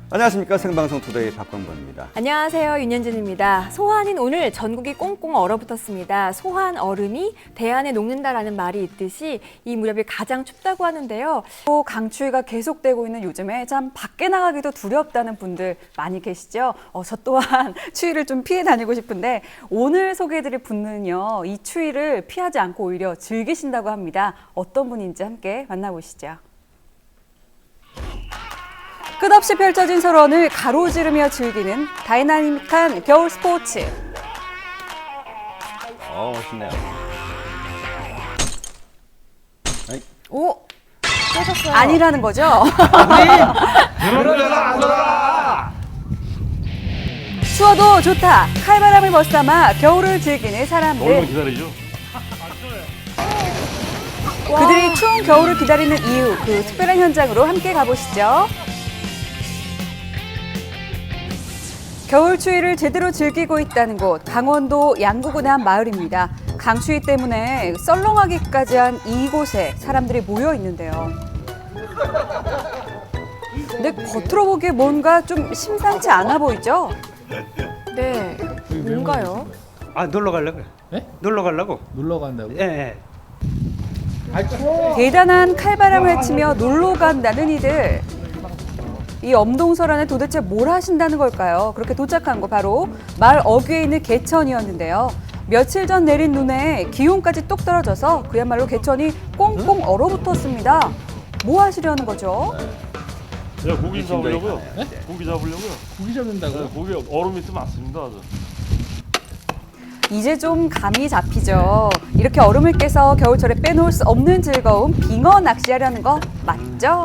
안녕하십니까. 생방송 투데이 박광범입니다. 안녕하세요. 윤현진입니다. 소환인 오늘 전국이 꽁꽁 얼어붙었습니다. 소환 얼음이 대안에 녹는다라는 말이 있듯이 이 무렵이 가장 춥다고 하는데요. 또 강추위가 계속되고 있는 요즘에 참 밖에 나가기도 두렵다는 분들 많이 계시죠? 저 또한 추위를 좀 피해 다니고 싶은데 오늘 소개해드릴 분은요. 이 추위를 피하지 않고 오히려 즐기신다고 합니다. 어떤 분인지 함께 만나보시죠. 끝없이 펼쳐진 설원을 가로지르며 즐기는 다이나믹한 겨울 스포츠. 신네요. 오, 깨졌어요. 아니라는 거죠? 추워도 좋다. 칼바람을 벗삼아 겨울을 즐기는 사람들. 얼마나 기다리죠? 그들이 추운 겨울을 기다리는 이유, 그 특별한 현장으로 함께 가보시죠. 겨울 추위를 제대로 즐기고 있다는 곳, 강원도 양구군의 한 마을입니다. 강추위 때문에 썰렁하기까지 한 이곳에 사람들이 모여 있는데요. 근데 겉으로 보기에 뭔가 좀 심상치 않아 보이죠? 네, 뭔가요? 놀러 가려고요. 네? 놀러 가려고. 놀러 간다고? 예. 대단한 칼바람을 헤치며 놀러 간다는 이들. 이 엄동설 안에 도대체 뭘 하신다는 걸까요? 그렇게 도착한 곳 바로 마을 어귀에 있는 개천이었는데요. 며칠 전 내린 눈에 기온까지 뚝 떨어져서 그야말로 개천이 꽁꽁 얼어붙었습니다. 뭐 하시려는 거죠? 야, 고기 잡으려고요? 네? 고기 잡으려고요? 고기 잡는다고? 네, 고기 얼음 밑에 많습니다. 아주. 이제 좀 감이 잡히죠. 이렇게 얼음을 깨서 겨울철에 빼놓을 수 없는 즐거움, 빙어 낚시하려는 거 맞죠?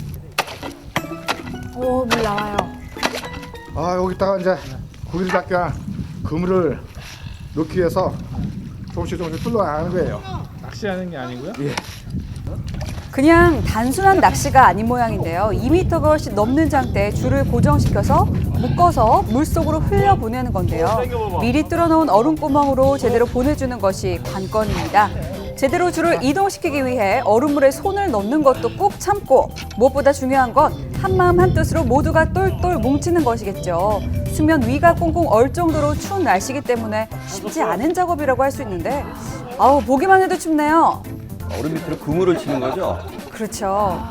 오, 물 나와요. 여기다가 이제 고기를 잡기 위한 그물을 넣기 위해서 조금씩 뚫어나가는 거예요. 낚시하는 게 아니고요? 예. 그냥 단순한 낚시가 아닌 모양인데요. 2m가 훨씬 넘는 장대에 줄을 고정시켜서 묶어서 물속으로 흘려보내는 건데요. 미리 뚫어놓은 얼음구멍으로 제대로 보내주는 것이 관건입니다. 제대로 줄을 이동시키기 위해 얼음물에 손을 넣는 것도 꾹 참고 무엇보다 중요한 건 한마음 한뜻으로 모두가 똘똘 뭉치는 것이겠죠. 수면 위가 꽁꽁 얼 정도로 추운 날씨이기 때문에 쉽지 않은 작업이라고 할 수 있는데 보기만 해도 춥네요. 얼음 밑으로 그물을 치는 거죠? 그렇죠.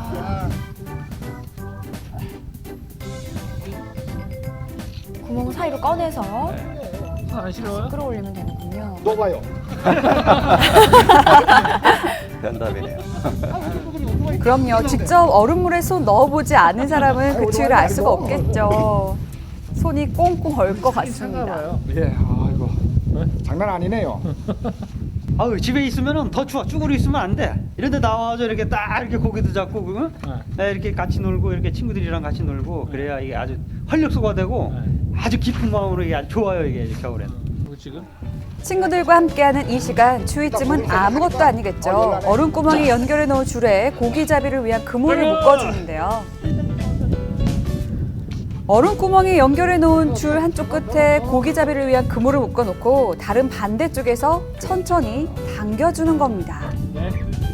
구멍 사이로 꺼내서 안 싫어요? 끌어올리면 되는군요. 녹아요. 변답이네요. 그럼요. 직접 얼음물에 손 넣어보지 않은 사람은 그 추위를 알 수가 없겠죠. 손이 꽁꽁 얼 것 같습니다. 봐요. 예, 이거 장난 아니네요. 집에 있으면은 더 추워. 쭈그려 있으면 안 돼. 이런데 나와서 이렇게 딱 이렇게 고기도 잡고 이렇게 같이 놀고 이렇게 친구들이랑 같이 놀고 그래야 이게 아주 활력소가 되고 아주 깊은 마음으로 이게 아주 좋아요 이게 겨울엔. 지금? 친구들과 함께하는 이 시간, 추위쯤은 아무것도 아니겠죠. 얼음구멍에 연결해 놓은 줄에 고기잡이를 위한 그물을 묶어주는데요. 얼음구멍에 연결해 놓은 줄 한쪽 끝에 고기잡이를 위한 그물을 묶어놓고 다른 반대쪽에서 천천히 당겨주는 겁니다. 네.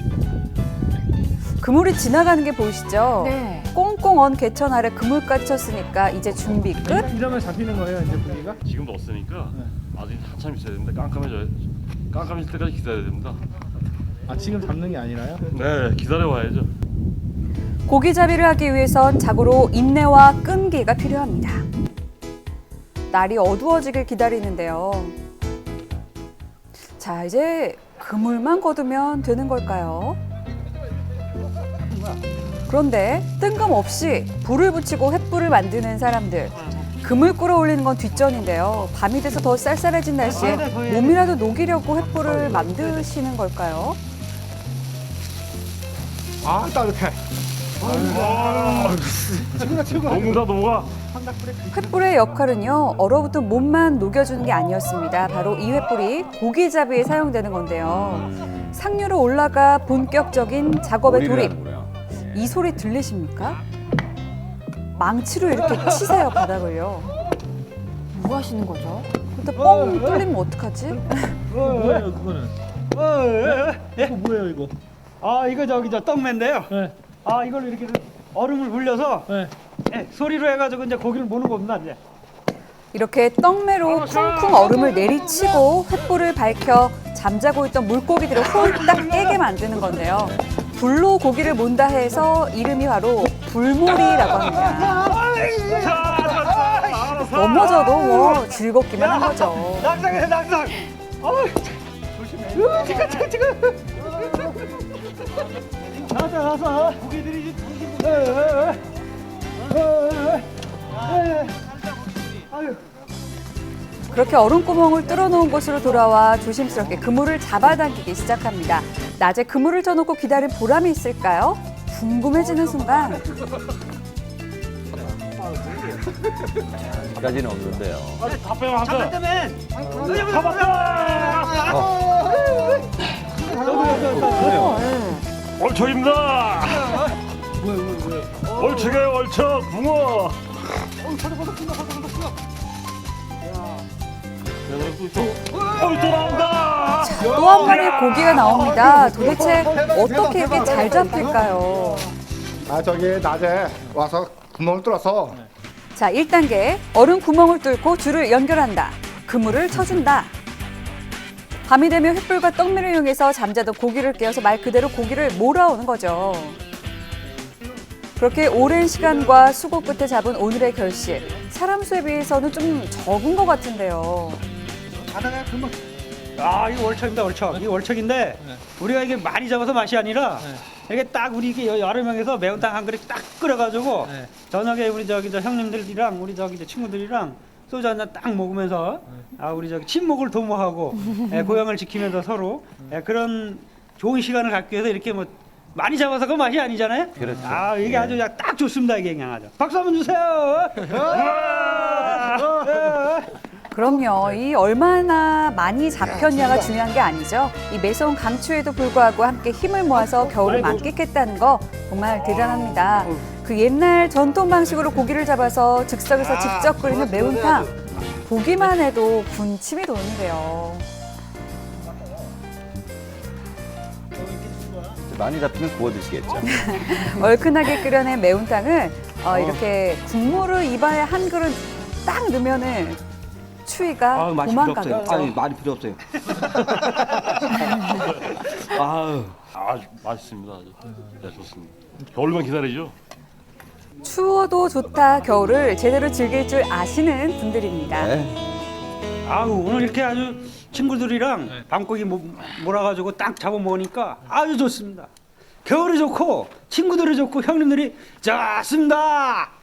그물이 지나가는 게 보이시죠? 네. 꽁꽁 언 개천 아래 그물까지 쳤으니까 이제 준비 끝? 이러면 잡히는 거예요, 이제 고기가? 지금도 없으니까 아직 한참 있어야 됩니다. 깜깜해질 때까지 기다려야 됩니다. 지금 잡는 게 아니라요? 네, 기다려와야죠. 고기잡이를 하기 위해선 자고로 인내와 끈기가 필요합니다. 날이 어두워지길 기다리는데요. 자, 이제 그물만 걷으면 되는 걸까요? 그런데 뜬금없이 불을 붙이고 횃불을 만드는 사람들. 그물 끌어올리는 건 뒷전인데요. 밤이 돼서 더 쌀쌀해진 날씨에 몸이라도 녹이려고 횃불을 만드시는 걸까요? 따뜻해. 녹는다, 녹아. 횃불의 역할은요, 얼어붙은 몸만 녹여주는 게 아니었습니다. 바로 이 횃불이 고기잡이에 사용되는 건데요. 상류로 올라가 본격적인 작업에 돌입. 이 소리 들리십니까? 망치로 이렇게 치세요, 바닥을요. 뭐 하시는 거죠? 근데 뻥 뚫리면 어떡하지? 뭐예요, 그거는? 이거 뭐예요, 이거? 이거 저기 떡매인데요. 네. 이걸로 이렇게 얼음을 불려서 네. 소리로 해가지고 이제 고기를 모는 겁니다 이제. 이렇게 떡매로 쿵쿵 얼음을 내리치고 횃불을 밝혀 잠자고 있던 물고기들을 홀딱 깨게 만드는 건데요. 불로 고기를 몬다 해서 이름이 바로 불몰이라고 합니다. 넘어져도 뭐 즐겁기만 한 거죠. 낙상해 낙상. 지금. 나서. 고기들이 그렇게 얼음구멍을 뚫어놓은 곳으로 돌아와 조심스럽게 그물을 잡아당기기 시작합니다. 낮에 그물을 쳐놓고 기다린 보람이 있을까요? 궁금해지는 순간 까지는 없는데요. 다 빼면 한 번. 얼척입니다. 얼척이에요, 얼척, 붕어. 또 나온다. 또 한 마리 고기가 나옵니다. 도대체 어떻게 이렇게 잘 잡힐까요? 아 저기 낮에 와서 구멍을 뚫어서 자, 1단계 얼음 구멍을 뚫고 줄을 연결한다. 그물을 쳐준다. 밤이 되면 횃불과 떡미를 이용해서 잠자던 고기를 깨워서 말 그대로 고기를 몰아오는 거죠. 그렇게 오랜 시간과 수고 끝에 잡은 오늘의 결실. 사람 수에 비해서는 좀 적은 것 같은데요. 바다가 금방. 아 이거 월척입니다 월척. 이 월척인데 우리가 이게 많이 잡아서 맛이 아니라 이게 딱 우리 이게 여러 명에서 매운탕 한 그릇 딱 끓여가지고 저녁에 우리 저기 저 형님들이랑 우리 저기 저 친구들이랑 소주 한 잔 딱 먹으면서 아 우리 저기 친목을 도모하고 고향을 지키면서 서로 그런 좋은 시간을 갖기 위해서 이렇게 뭐 많이 잡아서 그 맛이 아니잖아요. 그렇죠. 아 이게 아주 그냥 딱 좋습니다 이게 그냥 아주. 박수 한번 주세요. 그럼요. 이 얼마나 많이 잡혔냐가 중요한 게 아니죠. 이 매서운 강추에도 불구하고 함께 힘을 모아서 겨울을 만끽했다는 거 정말 대단합니다. 그 옛날 전통 방식으로 고기를 잡아서 즉석에서 직접 끓이는 매운탕. 보기만 해도 군침이 도는데요. 많이 잡히면 구워 드시겠죠. 얼큰하게 끓여낸 매운탕을 이렇게 국물을 입안에 한 그릇 딱 넣으면은 추위가 도망가겠죠. 아니 말이 필요 없어요. 아유. 아, 맛있습니다. 아주. 네, 좋습니다. 겨울만 기다리죠. 추워도 좋다 겨울을 제대로 즐길 줄 아시는 분들입니다. 네. 아우 오늘 이렇게 아주 친구들이랑 밤고기 몰아가지고 딱 잡아 먹으니까 아주 좋습니다. 겨울이 좋고 친구들이 좋고 형님들이 좋습니다.